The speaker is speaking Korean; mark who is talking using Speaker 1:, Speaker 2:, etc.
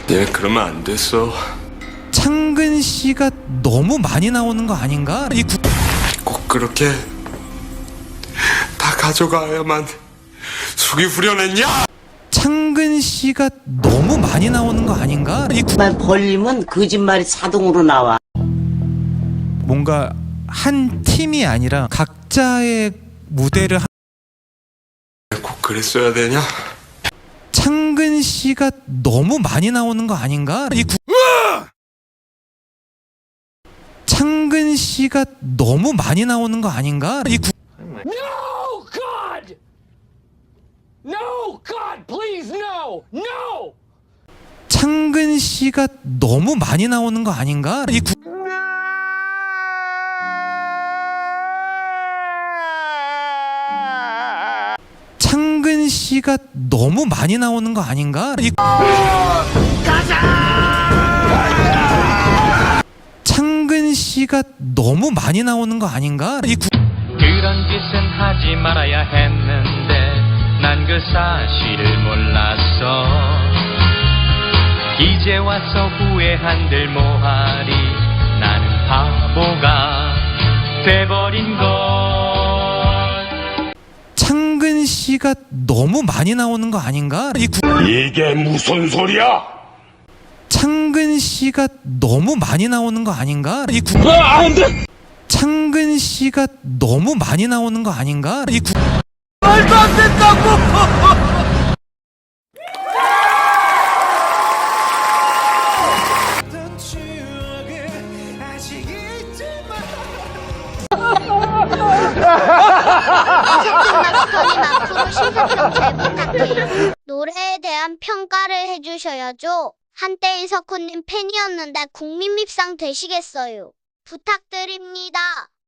Speaker 1: 얘 그러면 안 됐어.
Speaker 2: 창근 씨가 너무 많이 나오는 거 아닌가?
Speaker 1: 꼭 그렇게 다 가져가야만 숙이 후련했냐?
Speaker 2: 창근 씨가 너무 많이 나오는 거 아닌가?
Speaker 3: 말 벌리면 거짓말이 자동으로 나와.
Speaker 2: 뭔가 한 팀이 아니라 각자의 무대를
Speaker 1: 꼭 그랬어야 되냐?
Speaker 2: 창근 씨가 너무 많이 나오는 거 아닌가? 창근 씨가 너무 많이 나오는 거 아닌가?
Speaker 4: No, God! No, God, please, no! No!
Speaker 2: 창근 씨가 너무 많이 나오는 거 아닌가? 창근 씨가 너무 많이 나오는 거 아닌가? 창근 씨가 너무 많이 나오는 거 아닌가?
Speaker 5: 그런 짓은 하지 말아야 했는데 난 그 사실을 몰랐어. 이제 와서 후회한들 뭐하리. 나는 바보가 돼버린 걸.
Speaker 2: 창근 씨가 너무 많이 나오는 거 아닌가?
Speaker 1: 이게 무슨 소리야?
Speaker 2: 창근 씨가 너무 많이 나오는 거 아닌가?
Speaker 1: 안 돼!
Speaker 2: 창근 씨가 너무 많이 나오는 거 아닌가?
Speaker 1: 말도 안 된다고!
Speaker 6: 앞으로 심사평 잘 부탁해요. 노래에 대한 평가를 해주셔야죠. 한때 이석훈님 팬이었는데 국민 밉상 되시겠어요. 부탁드립니다.